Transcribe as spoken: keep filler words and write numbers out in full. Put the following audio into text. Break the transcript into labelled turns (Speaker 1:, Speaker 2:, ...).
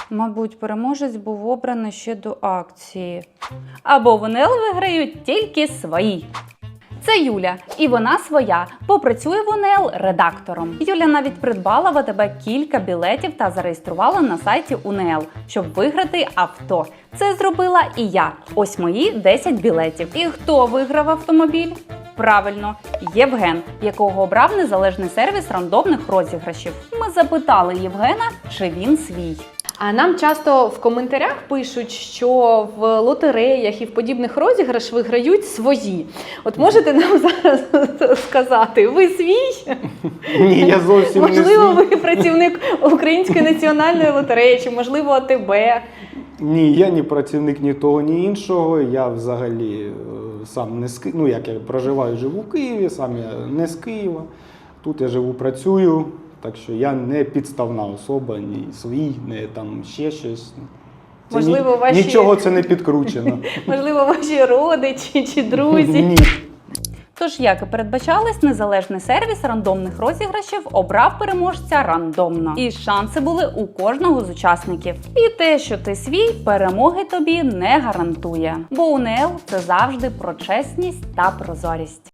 Speaker 1: Мабуть, переможець був обраний ще до акції. Або в УНЛ виграють тільки свої. Це Юля, і вона своя, попрацює в УНЛ редактором. Юля навіть придбала в АТБ кілька білетів та зареєструвала на сайті УНЛ, щоб виграти авто. Це зробила і я. Ось мої десять білетів. І хто виграв автомобіль? Правильно, Євген, якого обрав незалежний сервіс рандомних розіграшів. Ми запитали Євгена, чи він свій.
Speaker 2: А нам часто в коментарях пишуть, що в лотереях і в подібних розіграшах виграють свої. От можете нам зараз сказати, ви свій?
Speaker 3: Ні, я зовсім не свій.
Speaker 2: Можливо, ви працівник Української національної лотереї, чи, можливо, АТБ?
Speaker 3: Ні, я ні працівник ні того, ні іншого. Я взагалі е, сам не з Києва. Ну, як я проживаю, живу в Києві, сам я не з Києва. Тут я живу, працюю. Так що я не підставна особа, ні свій, не там ще щось. Це
Speaker 2: Можливо,
Speaker 3: ні,
Speaker 2: ваші...
Speaker 3: Нічого це не підкручено.
Speaker 2: Можливо, ваші родичі чи друзі?
Speaker 3: Ні.
Speaker 1: Тож, як і передбачалось, незалежний сервіс рандомних розіграшів обрав переможця рандомно. І шанси були у кожного з учасників. І те, що ти свій, перемоги тобі не гарантує. Бо УНЛ – це завжди про чесність та прозорість.